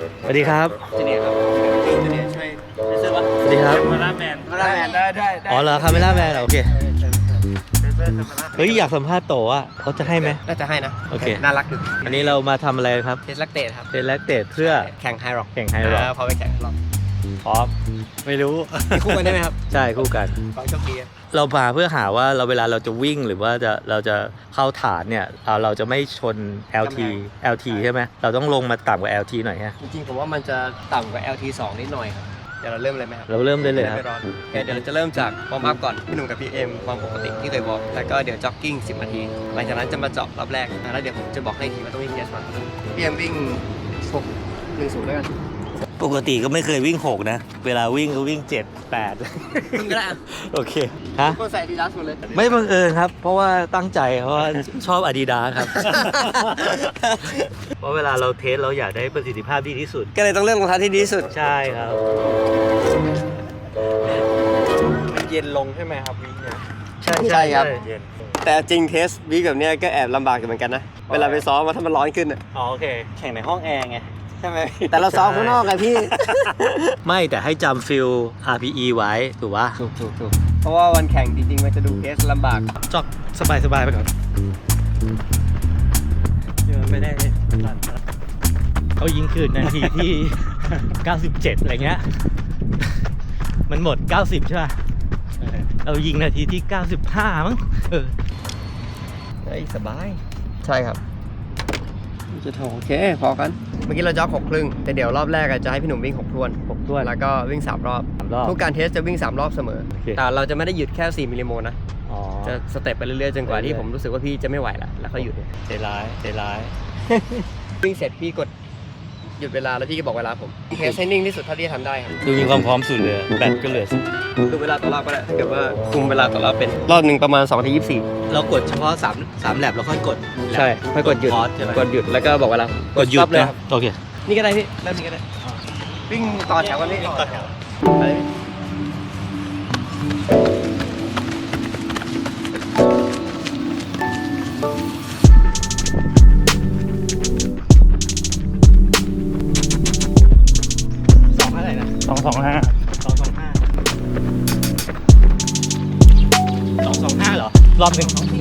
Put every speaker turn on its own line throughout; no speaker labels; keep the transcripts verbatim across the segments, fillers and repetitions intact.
สวัสดีครับ
จูเนียร์ครับจูเนียร์ช่วยช่วยว่า
สวัสดีครับ
มาล่าแมนมาล่าแมนได้ได้ได้
อ๋อเหรอคาเมล่าแมนโอเคเฮ้ยอยากสัมภาษณ์โตอ่ะเขาจะให้ไหม
น่าจะให้นะ
โอเค
น่ารักอยู่
อันนี้เรามาทำอะไรครับ
เทสลักเตทครับ
เทสแลกเตดเพื่อ
แข่งไฮร็อก
แข่งไฮร็อก
พอไปแข่งไฮร็อก
พร้อมไม่รู้
คู่กันได้ไหมครับ
ใช่คู่กัน
ขอโชคดี
เรามาเพื่อหาว่าเราเวลาเราจะวิ่งหรือว่าจะเราจะเข้าฐานเนี่ยเราเราจะไม่ชน แอล ที แอล ที ใช่ไหมเราต้องลงมาต่ำกว่า แอล ที หน่อยฮะ
จริงๆผมว่ามันจะต่ำกว่า แอล ที สองนิดหน่อยครับเดี๋ยวเราเริ่มเลยไหมครับ
เราเริ่มได้เลยครับ
ไม่ร้อนโอเคเดี๋ยวเราจะเริ่มจากวอร์มอัพก่อนพี่หนุ่มกับพี่เอ็มวอร์มปกติที่เคยวอร์มแล้วก็เดี๋ยวจ็อกกิ้งสิบนาทีหลังจากนั้นจะมาเจาะรอบแรกแล้วเดี๋ยวผมจะบอกให้ทีว่าต้องวิ่งเทสก่อนพี่เอ็มวิ่งหกหนึ่งศูนย์ด้วยกัน
ปกติก็ไม่เคยวิ่งหกนะเวลาวิ่งก็วิ่งเจ็ด แปด
วิ่งก็ได้อะ
โอเคฮะ
คนใส่ดีดัสหมดเลย
ไม่บังเอิญครับ เพราะว่าตั้งใจเพราะว่าชอบอาดิดาสครับ เพราะเวลาเราเทสเราอยากได้ประสิทธิภาพที่ดีที่สุด
ก็เลยต้องเลือกรองเท้าที่ดีที่สุด
ใช่ครับ
มันเย็นลงใช่ไหมครับวิ่งเนี่ย
ใช่
ใช่ครับ
เย็น
แต่จริงเทสวิ่งแบบเนี้ยก็แอบลำบากอยู่เหมือนกันนะ เวลาไปซ้อมมาถ้ามันร้อนขึ้นอะ
อ๋อโอเค แข่งในห้องแอร์ไง
ใช่ไหมแต่เราซ้อมข้างนอกไงพี่
ไม่แต่ให้จำฟิล อาร์ พี อี ไว้ถูกปะ
ถูกถูกถูกเพราะว่าวันแข่งจริงๆมันจะดูเทสลำบาก
จอกสบายสบายไปก่อนเดินไปได้เขายิงคืนนาทีที่ เก้าสิบเจ็ด อะไรเงี้ย มันหมด เก้าสิบ ใช่ป่ะ เรายิงนาทีที่ เก้าสิบห้า มั้งเออ
เฮ้ยสบาย ใช่ครับจะโถโอเคพอกัน เมื่อกี้เราจ็อกหกครึ่งแต่เดี๋ยวรอบแรกอะจะให้พี่หนุ่มวิ่งหกทวน
หกถ้วน
แล้วก็วิ่งสามรอบ
สามรอบ
ทุกการเทสจะวิ่งสามรอบเสมอ
โอเค
แต่เราจะไม่ได้หยุดแค่สี่มิลลิโมลนะ
อ๋อ
จะสเต็ปไปเรื่อยๆจนกว่าที่
เรื่อยๆ
ผมรู้สึกว่าพี่จะไม่ไหวแล้วแล้วก็หยุด
ใจร้ายใจร้าย
วิ่งเสร็จพี่กดหยุดเวลาแล้วพี่ก็บอกเวลาผมเทสให้นิ่งที่สุดเท่าที่จะทำได้ครับ
ดูมีความพร้อมสุดเลย แบตก็เหลือ
ดูเวลาต่อรอบก็ได้ถ้าเกิดว่าคุมเวลาต่อรอบเป็นรอบหนึ่งประมาณสองนาทียี่สิบสี่
เรากดเฉพาะ3 3แลบแล้วค่อยกด
ใช่ค่อยกดหยุด
พอสใช่ไหม
กดหยุดแล้วก็บอกเวลาก
ดหยุด
stop เลย
นะครับ โอเค
นี่ก็ได้พี่เริ่มนี้ก็ได้วิ่งต่อแถวกันพี่ต่อแถวไปเลยสองอะไรนะ
สองสองห้า
สองสองห้าสองสองห้าเหรอ รอบหนึ่ง
สอง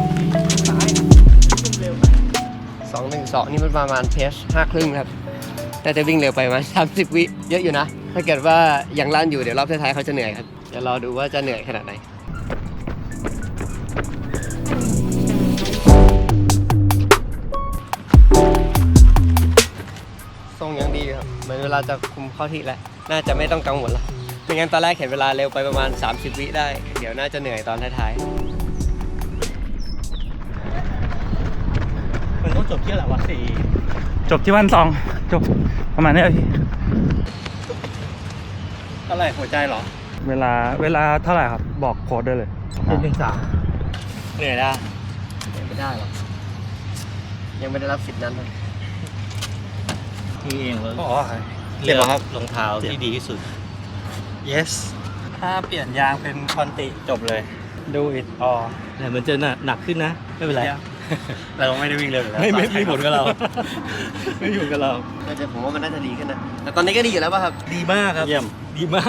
หนึ่งสองนี่มันประมาณเพชห้าครึ่งครับแต่จะวิ่งเร็วไปมาสามสิบวิเยอะอยู่นะ ถ้าเกิดว่ายังลั่นอยู่เดี๋ยวรอบท้ายๆเขาจะเหนื่อยครับเดี๋ยวรอดูว่าจะเหนื่อยขนาดไหนทรงยังดีอยู่ครับเหมือนเวลาจะคุมเข้าที่แล้วน่าจะไม่ต้องกังวลละไม่งั้นตอนแรกเห็นเวลาเร็วไปประมาณสามสิบวิได้เดี๋ยวน่าจะเหนื่อยตอนท้ายๆ
มันต้องจบที่อะไรวะสี่
จบที่วันสองจบประมาณนี้พี่
เท่าไหร่หัวใจเหรอ
เวลาเวลาเท่าไหร่ครับบอกโค้ดได้เลย
หนึ่งสามเหนื่อยละ
ไม่ได้หรอกยังไม่ได้รับสิทธิ์นั้นเลย
ที่เองเลย
อ๋อ
เลือกรองเท้าที่ดีที่สุด
yes ถ้าเปลี่ยนยางเป็นคอนติจบเลย do it all
แต่มันจะหนักหนักขึ้นนะ ไม่เป็นไร
เราไม่ได้วิ่งเร็วอยู่แล้ว
ไม่ไม่ไม่ผลกับเรา ไม่ผลกับเรา
น่าจะผมว่ามันน่าจะดีขึ้นนะ แต่ตอนนี้ก็ดีอยู่แล้วป่ะครับ
ดีมากครับ
เยี่ยม
ดีมาก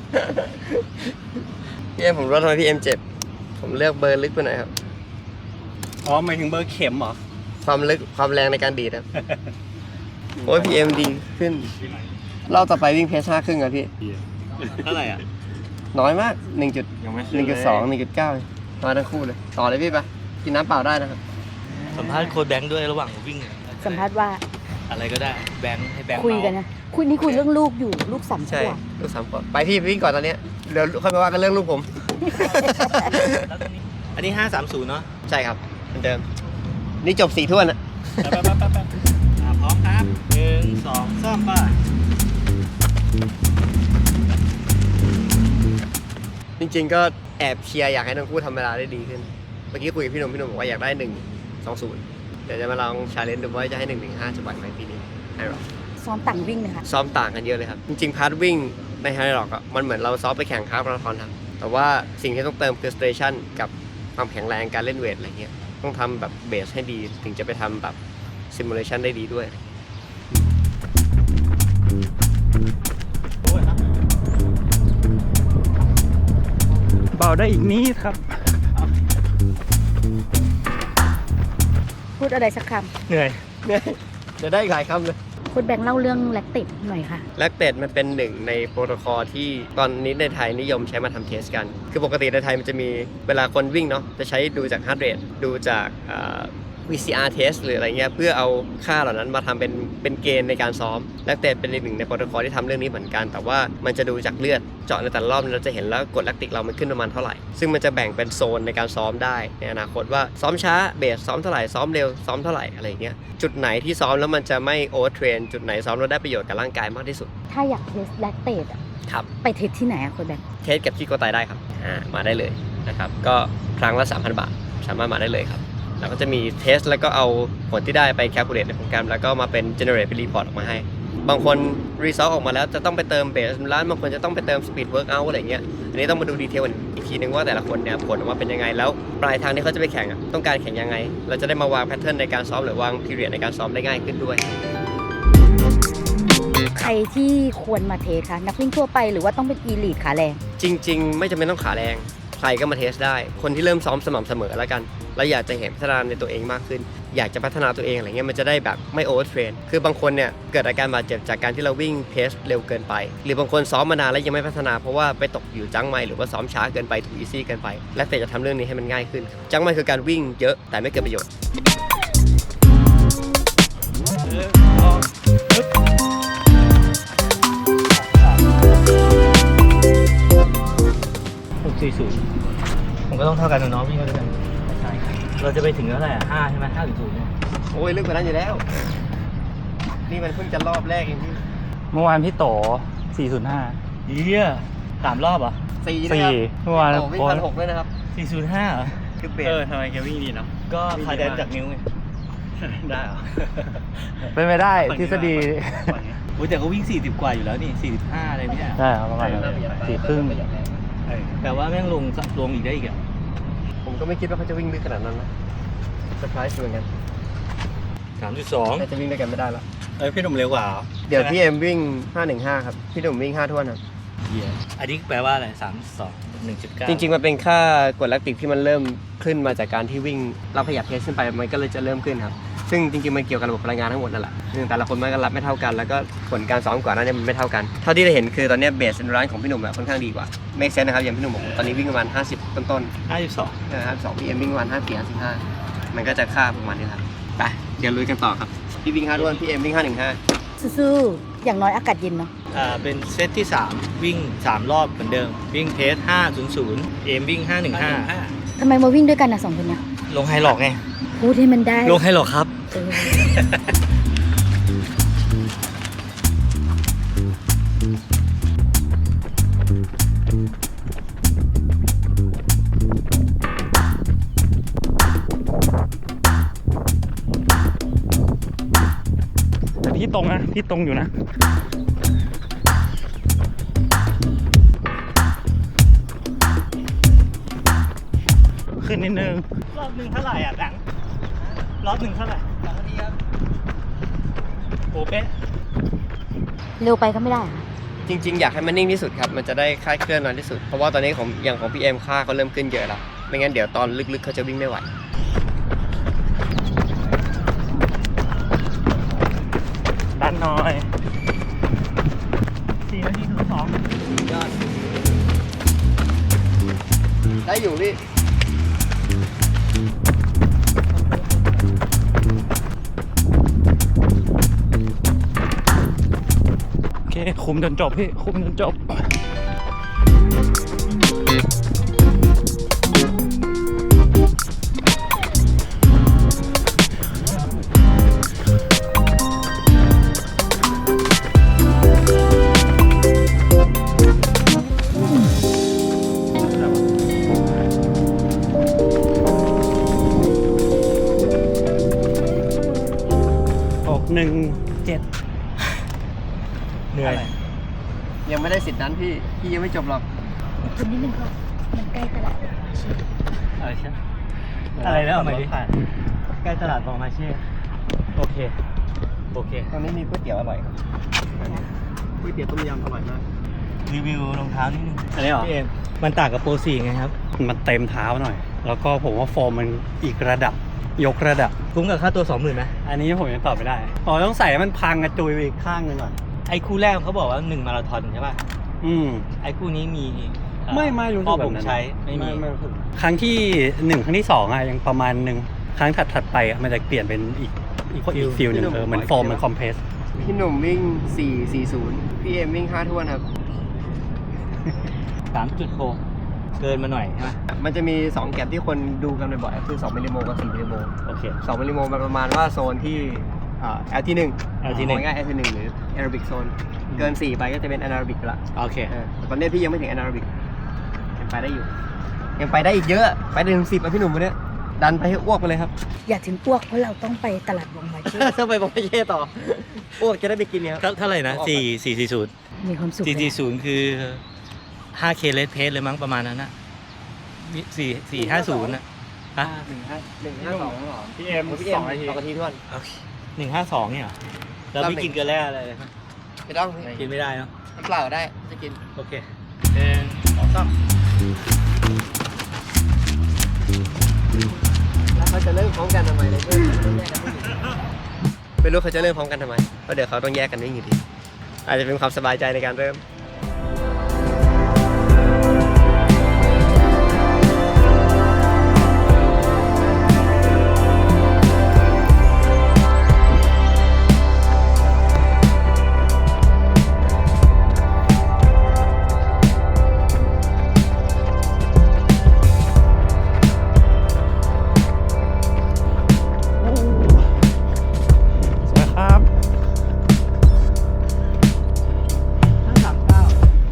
พี่เอ็มผมรู้ทำไมพี่เอ็มเจ็บ ผมเลือกเบอร์ลึกไปหน่อยครับ
อ๋อหมายถึงเบอร์เข็มเหรอ
ความลึกความแรงในการดีดครับ โอ้ยพี่เอ็มดีขึ้นรอบต่อไปวิ่งเพสห้าครึ่งอะพี่
เท่าไหร่อ่ะ
น้อยมากหนึ่งจุด
ยังไม่
หนึ่งจุดสองหนึ่งจุดเก้ามาทั้งคู่เลย ต่อเลยพี่ไปกินน้ำเปล่าได้นะครับ
สัมภาษณ์โค้ชแบงค์ด้วยระหว่างวิ่ง
สัมภาษณ์ว่า
อะไรก็ได้ แบงค์ให้แบงค์
คุยกัน
เมา
นะคุยนี่คุยเรื่องลูกอยู่ลูกสามข
ใช่
วบ
ลูกสามขวบไปพี่ไปวิ่งก่อนตอนเนี้ยเดี๋ยวค่อยมาว่ากันเรื่องลูกผม
อันนี้ห้าสามศูนย์เนาะ
ใช่ครับเหมือนเดิม นี่จบสี่ถ้วนอะ
ไปไปไปไปไปอ่ะพร้อมครับหนึ่งสองสามไป
จริงๆก็แอบเชียร์อยากให้ทั้งคู่ทำเวลาได้ดีขึ้น เมื่อกี้คุยกับพี่หนุ่มพี่หนุ่มบอกว่าอยากได้หนึ่งสองศูนย์เดี๋ยวจะมาลองชาเลนจ์ดูว่าจะให้หนึ่งหนึ่งห้าจะไหวไหมปีนี้ไฮร็อก
ซ้อมต่างวิ่งเลยค่ะ
ซ้อมต่างกันเยอะเลยครับ จริงๆพาร์ทวิ่งในไฮร็อกอ่ะมันเหมือนเราซ้อมไปแข่งคาร์บมาราธอนครับแต่ว่าสิ่งที่ต้องเติมคือสเตชันกับความแข็งแรงการเล่นเวทอะไรเงี้ยต้องทำแบบเบสให้ดีถึงจะไปทำแบบซิมูเลชันได้ดีด้วย
ได้อีกนิดครับ
พูดอะไรสักค
เหนื่อย
เนี่ยจะได้อีกหลายคำเลย
ำคุณแบงค์เล่าเรื่องแลคติกหน่อยค่ะ
แลคเตดมันเป็นหนึ่งในโปรโตคอลที่ตอนนี้ในไทยนิยมใช้มาทำเทสกัน คือปกติในไทยมันจะมีเวลาคนวิ่งเนาะจะใช้ดูจากฮาร์ดเรทดูจากอ่า วี ซี อาร์ test หรืออะไรเงี้ยเพื่อเอาค่าเหล่านั้นมาทำเป็นเป็นเกณฑ์ในการซ้อมแลคเตดเป็นอีกหนึ่งในโปรโตคอลที่ทำเรื่องนี้เหมือนกัน แต่ว่ามันจะดูจากเลือดเจาะในแต่ละรอบเราจะเห็นแล้วกรดแลคติกเรามันขึ้นประมาณเท่าไหร่ซึ่งมันจะแบ่งเป็นโซนในการซ้อมได้ในอนาคตว่าซ้อมช้าเบสซ้อมเท่าไหร่ซ้อมเร็วซ้อมเท่าไหร่อะไรเงี้ยจุดไหนที่ซ้อมแล้วมันจะไม่โอเวอร์เทรนจุดไหนซ้อมแล้วได้ประโยชน์กับร่างกายมากที่สุด
ถ้าอยากเทสแลคเตดอะ
ครับ
ไปเทสที่ไหนอะคุณแบงค์
เทสกับที่โกไตได้ครับอ่ามาได้เลยนะครับก็ครั้งละ สามพัน บาทสามารถมาได้เลยครับแล้วก็จะมีเทสแล้วก็เอาผลที่ได้ไปแคลคูลเลตในโปรแกรมแล้วก็มาเป็น generate เป็น report ออกมาให้ บางคน result ออกมาแล้วจะต้องไปเติมเบสร้านบางคนจะต้องไปเติม speed workout อะไรเงี้ยอันนี้ต้องมาดูดีเทลอีกทีนึงว่าแต่ละคนเนี่ยผลออกมาเป็นยังไงแล้วปลายทางที่เขาจะไปแข่งอะต้องการแข่งยังไงเราจะได้มาวางแพทเทิร์นในการซ้อมหรือวาง period ในการซ้อมได้ง่ายขึ้นด้วย
ใครที่ควรมาเทสคะนักวิ่งทั่วไปหรือว่าต้องเป็นอีลีทขาแรง
จริงๆ ไม่จำเป็นต้องขาแรงใครก็มาเทสได้คนที่เริ่มซ้อมสม่ำเสมอแล้วกันแล้วอยากจะเห็นพัฒนาในตัวเองมากขึ้นอยากจะพัฒนาตัวเองอะไรเงี้ยมันจะได้แบบไม่โอเวอร์เทรนคือบางคนเนี่ยเกิดอาการบาดเจ็บจากการที่เราวิ่งเพสเร็วเกินไปหรือบางคนซ้อมมานานแล้วยังไม่พัฒนาเพราะว่าไปตกอยู่จังไม่หรือว่าซ้อมช้าเกินไปถูกอีซี่เกินไปและแต่จะทำเรื่องนี้ให้มันง่ายขึ้นจังไม่คือการวิ่งเยอะแต่ไม่เกิดประโยชน์
หกสี่ศูนย์ผมก็ต้องเท่ากันกับน้องวิ่งกันด้วยกันใช่เราจะไปถึงเท่าไหร่อ่ะห้าใช่ไหมห้าถึงศูนย์เนี่ย
โอ้ยลึกกว่านั้นอยู่แล้วนี่มันเพิ่งจะรอบแรกเองพี่
เมื่อวานพี่โตสี่ศูนย์ห้า
เยี่ยสามรอบเหรอ่ะ
สี่นะ
สี่
ครับ
เมื่อวาน
โอ้วิ่งพันหกด้วยนะครับ
สี่ศูนย์ห้าเหรอ
คือเบส
เออทำไมแกวิ่งดีเนาะ
ก็คาแดนจากนิ้วไง
ได้เหรอ เป็นไปได้ทฤษฎี
โอ้ยแต่ก็วิ่งสี่สิบกว่าอยู่แล้วนี่สี่สิบห้าอะไรเนี่ย
ได้ครับประมาณนั้นสี่ครึ่ง
เออแต่ว่าแม่งลงลงอีกได้อีกอ่ะ
ผมก็ไม่คิดว่าเขาจะวิ่งลึกขนาดนั้นนะเซอร์ไพรส์เหมือนกัน
สามจุดสอง
แต่จะวิ่งด้วยกันไม่ได้แล้ว
เอ้ยพี่หนุ่มเร็วกว่า
เดี๋ยวพี่เอ็มวิ่งห้าหนึ่งห้าครับพี่หนุ่มวิ่งห้าท้วนครับ
เยี่ยอันนี้แปลว่าอะไรสามสองหนึ่งจุดเก้า
จริงๆมันเป็นค่ากรดแลคติกที่มันเริ่มขึ้นมาจากการที่วิ่งเราขยับเพสขึ้นไปมันก็เลยจะเริ่มขึ้นครับซึ่งจริงๆมันเกี่ยวกับระบบพลังงานทั้งหมดนั่นแหละซึ่งแต่ละคนมันก็รับไม่เท่ากันแล้วก็ผลการซ้อมก่อนหน้านี้มันไม่เท่ากันเท่าที่เราเห็นคือตอนนี้เบสร้านของพี่หนุ่มอะค่อนข้างดีกว่าเมคเซนนะครับอย่างพี่หนุ่มบอกตอนนี้วิ่งประมาณห้าสิบต้น
ห้าสิบสอง
ๆนะครับสองพี่เอ็มวิ่งประมาณห้าสี่ห้าสิบห้ามันก็จะค่าประมาณนี้ครับไปเดี๋ยวลุยกันต่อครับพี่วิ่งห้าท้วนพี่เอ็มวิ่งห้าหนึ่งห้า
สู้ๆอย่างน้อยอากาศเย็นเนาะ
อ่าเป็นเซตที่สามวิ่งสามรอบเหมือนเดิมวิ่งเพสห้าศูนย์ศูนย์เอมวิ่งห้าหนึ่งห้า
ทำไมมาวิ่งด้วยกันนะสองคนเนี้ย
ลงไฮหลอกไง
พูดให้มันได้
ลงไฮหลอกครับ
เออ
แต่พี่ตรงนะพี่ตรงอยู่นะ ขึ้นนิดนึง
รอบหนึ่งเท่าไหร่อ่ะแบงค์รอบหนึ่งเท่าไหร่สองนาทีครับโอ้เป๊ะ
เร็วไปก็ไม่ได้ค่ะ
จริงๆ อยากให้มันนิ่งที่สุดครับ มันจะได้คลายเคลื่อนน้อยที่สุด เพราะว่าตอนนี้ของอย่างของพี่เอ็มค่าเขาเริ่มขึ้นเยอะแล้ว ไม่งั้นเดี๋ยวตอนลึกๆเขาจะวิ่งไม่ไหว
ดันหน่อย
สี่นาทีถึงสอง
ยอด ได้อยู่พี่
โอเค คุมจนจบพี่ คุมจนจบ หกหนึ่งเจ็ด
เหนื่อย
ยังไม่ได้สิทธิ์นั้นพี่ พี่ยังไม่จบหรอก
คุณนิดนึงค่ะมันใกล้ตลาด
อะไรใช่อะไรแล้วเอาใหม่ดิใกล้ตลาดบองมาเช่โอเคโอเค
ตอนนี้มีก๋วยเตี๋ยวอร่อยครับก๋วยเตี๋ยวต้มยำอร่อยมาก
รีวิวรองเท้านิดนึง
อันนี้เหรอ
พี่เอ็มมันต่างกับโปรสี่ไงครับ
มันเต็มเท้าหน่อย แล้วก็ผมว่าโฟมมันอีกระดับ ยกระดับ
คุ้มกับค่าตัวสองหมื่นไหม
อันนี้ผมยังตอบไม่ได้อ๋อต้องใส่ให้มันพังกระจุยไปอีกข้างหนึงก่อน
ไอ้คู่แรกเขาบอกว่าหนึ่งมาราธอนใช่ป่ะ
อืม
ไอ้คู่นี้มีเอ่อ
ไม่ไม่รู้สึ
พ่อก
แบ
ผ
บ
ม
นั้น
ใช้ไม่มี
รู้สึกครั้งที่หนึ่งครั้งที่สองอะยังประมาณหนึ่งครั้งถัดถัดๆไปอะมันจะเปลี่ยนเป็นอีกอีกอีกฟิลหนึ่งเออเหมือนโฟมมันคอมเพรส
พี่หนุ่มวิ่ง สี่สี่ศูนย์ พี่เอ็มวิ่งห้าท้วนครับ
สามจุดหกเกินมาหน่อยใช่ไหม
มันจะมี สอง แก็บที่คนดูกันบ่อยๆคือ สอง มิลลิโมกับ สี่ มิลลิโม
โอเค
สอง มิลลิโมมันประมาณว่าโซนที่อ่า แอล ที หนึ่ง
แอล ที หนึ่ง
ง่าย แอล ที หนึ่ง หรือ Aerobic Zone เกิน สี่ ไปก็จะเป็น Anaerobic ละ
โอเค
เออแต่ตอนนี้พี่ยังไม่ถึง Anaerobic ยังไปได้อยู่ ยังไปได้อีกเยอะ ไปได้ถึงสิบอ่ะพี่หนุ่มวันเนี้ยดันไปให้อ้วกไปเลยครับ
อย่าถึงอ้วกเพราะเราต้องไปตลาดวงไวเช่
ต้องไปบอกพี่เย่ต่อ อ้วกจะได้ไปกินเนี่ยครับ
เท่าเท่าไหร่นะ
ออกไป
สี่สี่สี่ศูนย์
มีความสุข
สี่
เล
สี่
ย
ศูนย์คือห้าเคเลสเพสเลยมั้งประมาณนั้นนะสี่สี่ห้าศูนย์นะฮะ
หนึ่งห้าหนึ่งห้าสอง
พี่เอ็ม
พี่เอ็ม
สองนาที
สองนาทีท้วน
หนึ่งห้าสองเนี่ยเหรอแล้วไม่กินเกลือแร่อะไรเลยครับ
ไม่ต้อง
กินไม่ได้เนาะ
น้ำเปล่าได้จะกิน
โอเคหนึ่งสองสาม
แล้วเขาจะเริ่มพร้อมกันทำไมเลยเพื่อนต้องแยกกันวิ่งไม่รู้เขาจะเริ่มพร้อมกันทำไมเพราะเดี๋ยวเขาต้องแยกกันวิ่งอยู่ดีอาจจะเป็นความสบายใจในการเริ่ม
สวยครับ
ห้าสามเก้า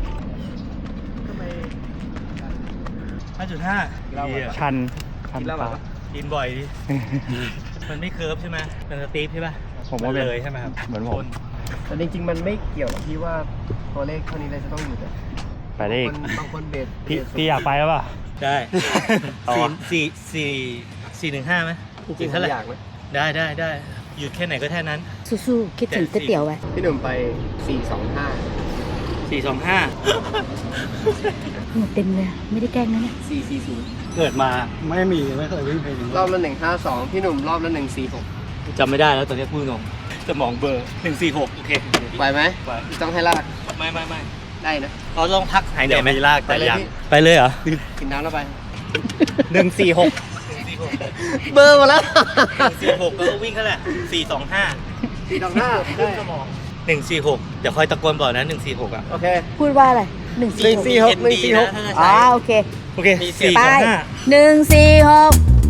ห้าจุดห้า
ชันชัน
กินแล้วแบบ
ฟ้า
ว่า
กินบ่อยดิ มันไม่เคิร์ฟใช่ไหมมันสตีฟใช่ป่ะ
ผมว่าเป็น
เลยใช่ไหมครับ
เหมือนผ
ค
ม
น
แต่จริงๆมันไม่เกี่ยวกับที่ว่าตัวเลขเท่านี้เลยจะต้องอยู่แต่
ไปได้อีก
บางคนบางคนเบส
พี่
เบส
พี่อยากไปแล้วป่ะ
ได้
ต่อ
สี่สี่สี่สี่หนึ่งห้าไหม
จริงๆ
เท่าไหร่
อยากไหม
ได้ได้ได้หยุดแค่ไหนก็แค่นั้น
สู้ๆคิดถึงก๋วยเตี๋ยวไว้
พี่หนุ่มไป สี่สองห้า
สี่สองห้า
หมดเต็มเลยไม่ได้แกล้งนะเนี่ย
สี่สี่ศูนย์
เกิดมาไม่มีไม่เคยวิ่งเพลงนี้
รอบละหนึ่งห้าสองพี่หนุ่มรอบละหนึ่งสี่หก
จำไม่ได้แล้วตอนนี้พูดตรงสมองเบลอร์หนึ่งสี่หกโอเค
ไหวไหม
ไป
ต้องให้ลาก
ไม่ไม่ไม่
ได้นะ
เราลองพักหายใจ
เดี๋ยว
ไหม
มีลาก
ไป
แต่
เลย
ยัง
พี่
ไปเลยเหรอ
กินน้ำแล้วไป
หนึ่งสี่หกหนึ่งสี่หก
เบอร์มาแล้ว
หนึ่งสี่หกก็วิ่งเท่าไหร่สี่สองห้า
สี่สองห้าได้
หนึ่งสี่หกเดี๋ยวคอยตะโกนบอกนะหนึ่งสี่หกอ่ะ
โอเค
พูดว่าอะไรหนึ่ง
หนึ่
สี่
ง
หก
สี่หกหนึ่งสี่หก
อ๋อโอเค
โอเค
มีเสียง
สี่
ไป
สองห้า
หนึ่งสี่หก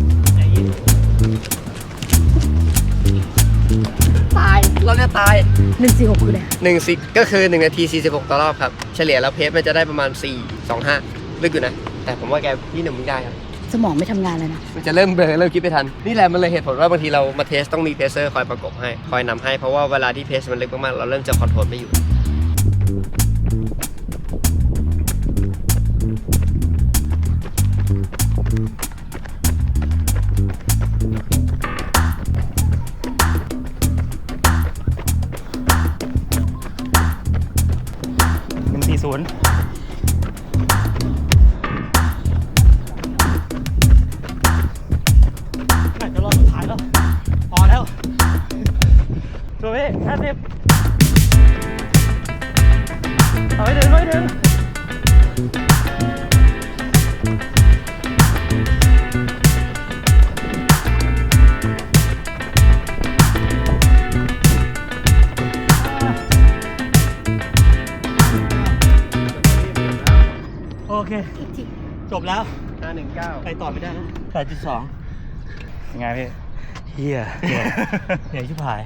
ตายเราเนี่ยตาย
หนึ่งสี่หกคืออะไร
หนึ่งสิก็คือหนึ่งนาทีสี่สิบหกต่อรอบครับ เฉลี่ยแล้วเพจมันจะได้ประมาณสี่สองห้าลึกอยู่นะ แต่ผมว่าแกพี่หนุ่มไม่ได้ครับ
สมองไม่ทำงานเลยนะ
มันจะเริ่มเบลอเริ่มคิดไม่ทัน นี่แหละมันเลยเหตุผลว่าบางทีเรามาเทสต้องมีเพเซอร์คอยประกบให้ คอยนำให้ เพราะว่าเวลาที่เพสมันลึกมากๆ เราเริ่มจะคอนโทรลไม่อยู่
หนึ่งสี่ศูนย์
น่าจะรอบสุดท้ายแล้ว พอแล้วตัวพี่ห้าสิบเอาไปถึงเอาไปถึงโอเค จบแล้ว
ห้าหนึ่งเก้า
ไปต่อไม่ได้แล้วแปดจุดสอง
ยังไงพี่
เฮียเหนื่อยเหนื่อยชิบหาย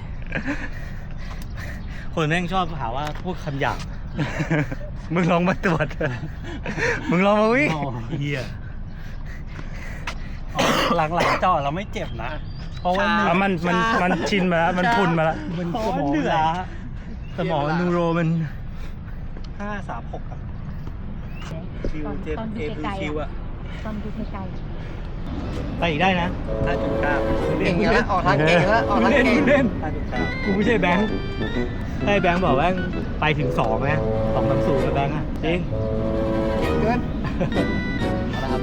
คนแม่งชอบหาว่าพูดคำหยาบ
มึงลองมาตรวจ มึงลองมาวิ่ง
เฮีย
หลังๆจอดเราไม่เจ็บนะ เพราะว่ามันมันมันชินมาแล้ว มันพุนมาแล้ว มัน
เพราะ
ส
ว่าม
อง
เหนื่อยสมองนูโรมัน
ห้าสามหก
คิวเจ็บเอฟคิวอะ
ตอนดูไกล
ไปอีกได้นะ
ห้าจุดเก้า
เก่งอยู่แล้วออกทางเก่งแล้วออกทางเก่ง
เล่น
ห้าจุดเก้า
กูไม่ใช่แบงค์ให้แบงค์บอกว่าไปถึงสองนะสองสามศูนย์แล้วแบงค์อ่ะจริง
เก่งเกินเอาละครับ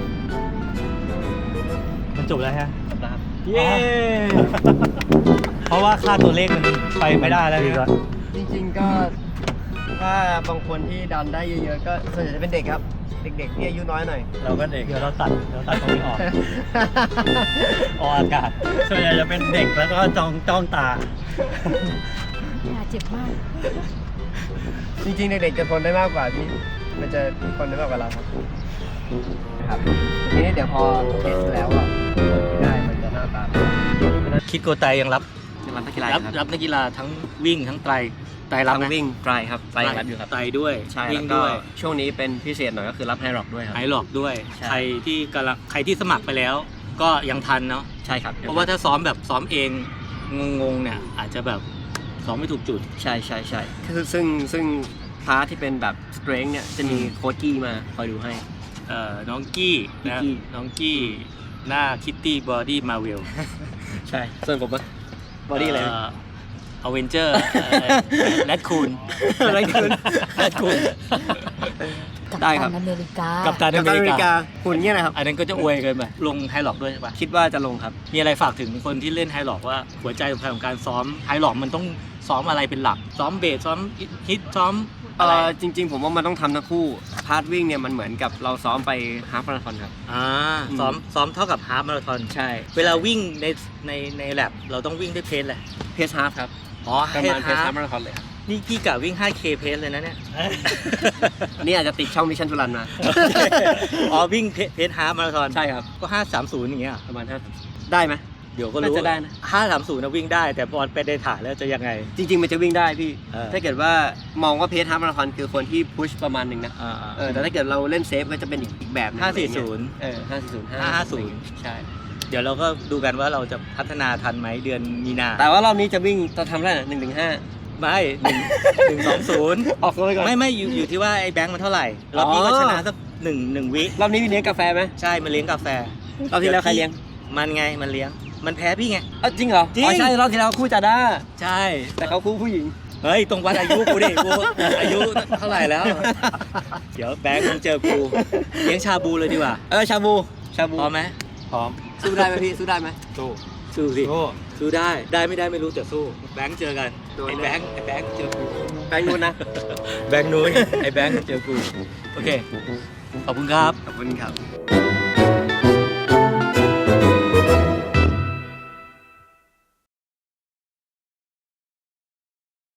มันจบแล้วฮะ
นะครับ
เย้ เพราะว่าค่าตัวเลขมันไปไม่ได้แล้ว
ดีกว่า
จริงๆก็ถ้าบางคนที่ดันได้เยอะๆก็ส่วนใหญ่จะเป็นเด็กครับ เด็กๆที่อายุน้อยหน่อย
เราก็เด็ก
เดี๋ยวเราตัดเดี๋ยวตัดตรงนี้ออกออกอากาศ
ส่วนใหญ่จะเป็นเด็กแล้วก็จ้องจ้องตา
น่าเจ็บมาก
จริงๆ เด็กๆจะทนได้มากกว่าพี่มันจะทนได้มากกว่าเราครับนะครับทีนี้เดี๋ยวพอเทสแล้วอ่ะผลที่ได้มันจะหน้าตา
คิดโกไตยังรับ
รับนักกีฬา
รับรับนักกีฬาทั้งวิ่งทั้งไตรไตรรับ
ทั้
นะ
งวิ่งไตรครับไตรยังรับอยู่ครับ
ไตรด้วย
ใช่
วิ่
แล้
ง
วก็
ด้วย
ช่วงนี้เป็นพิเศษหน่อยก็คือรับไฮร็อกด้วยครับ
ไอหลอกด้วย
ใช่
ใครที่กำลังใครที่สมัครไปแล้ว ก็ยังทันเนาะ
ใช่ครับ
เพราะว่าถ้าซ้อมแบบซ้อมเองงงๆเนี่ยอาจจะแบบซ้อมไม่ถูกจุด
ใช่ใช่ใช่คือซึ่งซึ่งพาร์ทที่เป็นแบบสเตรน g เนี่ยจะมีโค้ชกี้มาคอยดูให้
เอ่อน้องกี้นะ
กี้
น้องกี้หน้าคิตตี้บอดี้มาเวล
ใช่ส่วนผมอะบอดี้อะไร
อเวนเจอร์แรดคูน
อะไรกันแรดคูน
กับ
ได้
ตั
ครับ
นอเมริกา
กับตัน
กั
อ
ป
เม
ตันอ
ริ
เมริ
กาก
าหุ่นเงี้ยนะครับ
อันนั้นก็จะอวยเกินไปลงไฮล็อกด้วยใช่ปะ
คิดว่าจะลงครับ
มีอะไรฝากถึงคนที่เล่นไฮล็อกว่าหัวใจสำคัญของการซ้อมไฮล็อกมันต้องซ้อมอะไรเป็นหลัก ซ้อมเบสซ้อมฮิตซ้อม
เอ
อะไร
อจริง ๆ ผมว่ามันต้องทำทั้งคู่ พาร์ทวิ่งเนี่ยมันเหมือนกับเราซ้อมไปฮาล์ฟมาราธอนครับ
อ่าซ้อมซ้อมเท่ากับฮาล์ฟมาราธอน
ใช่
เวลาวิ่งในในในแลบเราต้องวิ่งด้วยเพสเลย
เพสฮาล์ฟครับ
อ๋อ
ประมาณเพส
ฮา
ฮา
ล์
ล์
ฟ
ฟมาราธอนเลยครับ
นี่พี่กะวิ่ง ไฟว์เค เพสเลยนะเนี่ย
นี่อาจจะติดช่องมิชชั่นทุรันมา
อ๋อวิ่งเพสฮาล์ฟมาราธอน
ใช่ครับ
ก็ห้าสามศูนย์อย่างเงี้ยเหรอ
ประมาณห้าได้ไหม
เดี๋ยวก็รู้
น่าจะได้นะ
ห้าสามศูนย์นะวิ่งได้ แต่พอไปในถ่ายแล้วจะยังไง
จริง ๆ มันจะวิ่งได้พี่
เออ
ถ้าเกิดว่ามองว่าเพสฮาล์ฟมาราธอนคือคนที่พุชประมาณหนึ่งนะ
อ่า
เออแต่ถ้าเกิดเราเล่นเซฟก็จะเป็นอีกอีกแบบนึ่ง
ห้าสี่ศูนย์
เออห้าสี่ศูนย์
ห้าห้าศูนย์
ใช่
เดี๋ยวเราก็ดูกันว่าเราจะพัฒนาทันไหมเดือนมีนา
แต่ว่ารอบนี้จะวิ่งตอนทำได้หนึ่งถึงห้า
ไม่หนึ่งหนึ่งสองศูนย์
ออกตัวไปก่อน
ไม่ไม่อยู่อยู่ที่ว่าไอ้แบงค์มันเท่าไหร่รอบนี้ก็ชนะสักหนึ่งหนึ่งวิ
รอบนี้มีเลี้ยงกาแฟไหม
ใช่มันเลี้ยงกาแฟ
รอบที่แล้วใครเลี้ยง
มันไงมันเลี้ยง มันแพ้พี่ไง
อ้าวจริงเหรอ
จริง
อ๋อใช่รอบที่แล้วคู่จาด้า
ใช่
แต่เขาคู่ผู้หญิง
เฮ้ยตรงวัดอายุกูดิกูอายุเท่าไหร่แล้ว เดี๋ยวแบงค์มึงเจอกูเลี้ยงชาบูเลยดีกว่า
เออชาบูชาบู
พร้อมไหม
พร้อม
สู้ได้ไหมพี่สู้ได้ไหม
สู้
สู้สิ
สู้
สู้ได้ได้ไม่ได้ไม่รู้แต่สู้แบงค์เจอกัน
โดน
ไอ้แบงค์ไอ้แบงค์เจอกู
แบงค์นู้นนะ
แบงค์นู้นไอ้แบงค์เจอกูโอเคขอบคุณครับ
ขอบคุณครับ